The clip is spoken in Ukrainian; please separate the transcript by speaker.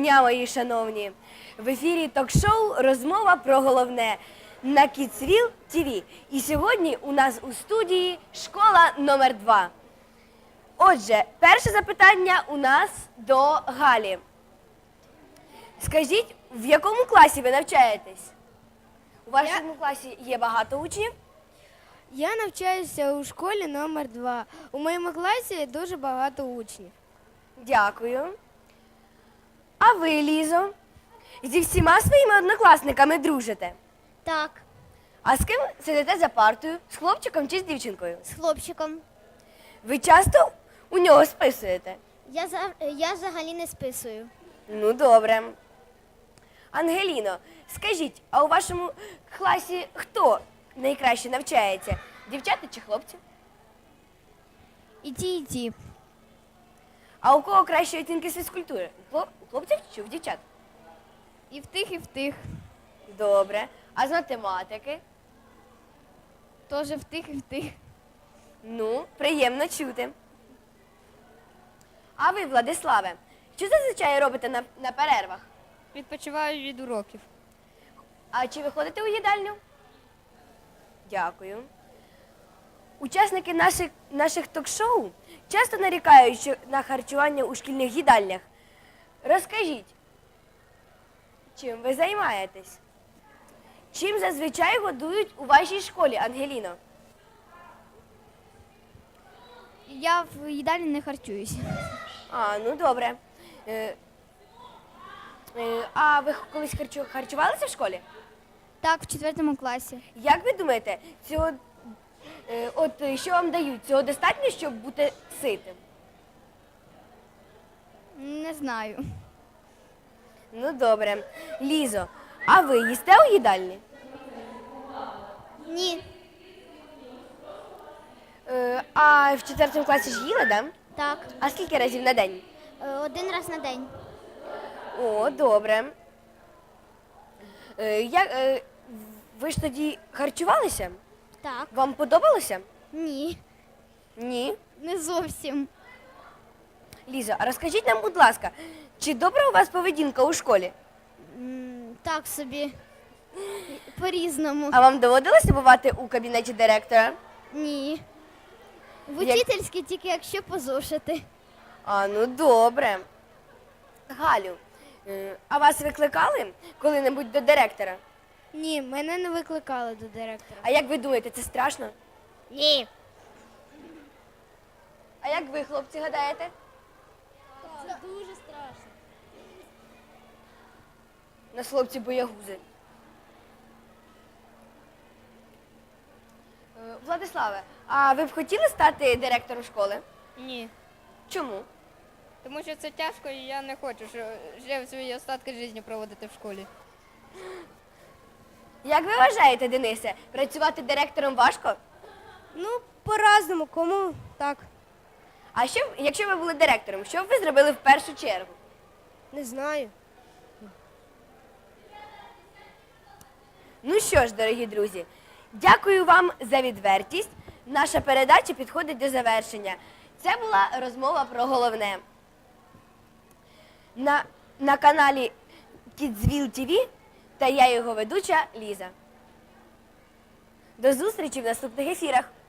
Speaker 1: дня, мої шановні! В ефірі ток-шоу «Розмова про головне» на Kidsville TV. І сьогодні у нас у студії школа номер 2. Отже, перше запитання у нас до Галі. Скажіть, в якому класі ви навчаєтесь? У вашому класі є багато учнів?
Speaker 2: Я навчаюся у школі номер 2. У моєму класі дуже багато учнів.
Speaker 1: Дякую. А ви, Лізо, зі всіма своїми однокласниками дружите?
Speaker 3: Так,
Speaker 1: А з ким сидите за партою? З хлопчиком чи з дівчинкою?
Speaker 3: з хлопчиком.
Speaker 1: Ви часто у нього списуєте?
Speaker 3: Я взагалі не списую.
Speaker 1: Ну, добре. Ангеліно, скажіть, а у вашому класі хто найкраще навчається? Дівчата чи хлопці?
Speaker 2: І ті, і ті.
Speaker 1: А у кого кращі оцінки з фізкультури? У хлопців чи у дівчат?
Speaker 2: І в тих, і в тих.
Speaker 1: Добре. А з математики?
Speaker 2: Теж в тих, і в тих.
Speaker 1: Ну, приємно чути. А ви, Владиславе, що зазвичай робите на перервах?
Speaker 2: Відпочиваю від уроків.
Speaker 1: А чи ви ходите у їдальню? Дякую. Учасники наших ток-шоу часто нарікають на харчування у шкільних їдальнях. Розкажіть, чим ви займаєтесь? Чим зазвичай годують у вашій школі, Ангеліно?
Speaker 2: Я в їдальні не харчуюся.
Speaker 1: А, ну добре. А ви колись харчувалися в школі?
Speaker 2: Так, в 4 класі.
Speaker 1: Як ви думаєте, що вам дають? Цього достатньо, щоб бути ситим?
Speaker 2: Не знаю.
Speaker 1: Ну добре. Лізо, а ви їсте у їдальні?
Speaker 3: Ні.
Speaker 1: А в 4 класі ж їли, да?
Speaker 3: Так.
Speaker 1: А скільки разів на день?
Speaker 3: 1 раз на день.
Speaker 1: О, добре. Ви ж тоді харчувалися?
Speaker 3: Так.
Speaker 1: Вам подобалося?
Speaker 3: Ні.
Speaker 1: Ні.
Speaker 2: Не зовсім.
Speaker 1: Лізо, а розкажіть нам, будь ласка, чи добра у вас поведінка у школі?
Speaker 3: Так собі. По-різному.
Speaker 1: А вам доводилося бувати у кабінеті директора?
Speaker 3: Ні. В
Speaker 1: Як-
Speaker 3: учительській тільки якщо позошити.
Speaker 1: А, ну добре. Галю, а вас викликали коли-небудь до директора?
Speaker 2: Ні, мене не викликали до директора.
Speaker 1: А як ви думаєте, це страшно?
Speaker 3: Ні.
Speaker 1: А як ви, хлопці, гадаєте?
Speaker 3: Це дуже страшно.
Speaker 1: Нас хлопці боягузи. Владиславе, а ви б хотіли стати директором школи?
Speaker 4: Ні,
Speaker 1: Чому?
Speaker 4: тому що це тяжко і я не хочу, що вже свої остатки життя проводити в школі.
Speaker 1: Як ви вважаєте, Денисе, працювати директором важко?
Speaker 2: Ну, по-разному, кому так.
Speaker 1: А якщо ви були директором, що б ви зробили в першу чергу?
Speaker 2: Не знаю.
Speaker 1: Ну що ж, дорогі друзі, дякую вам за відвертість. Наша передача підходить до завершення. Це була розмова про головне. На каналі Kidsville TV та я його ведуча Ліза. До зустрічі в наступних ефірах.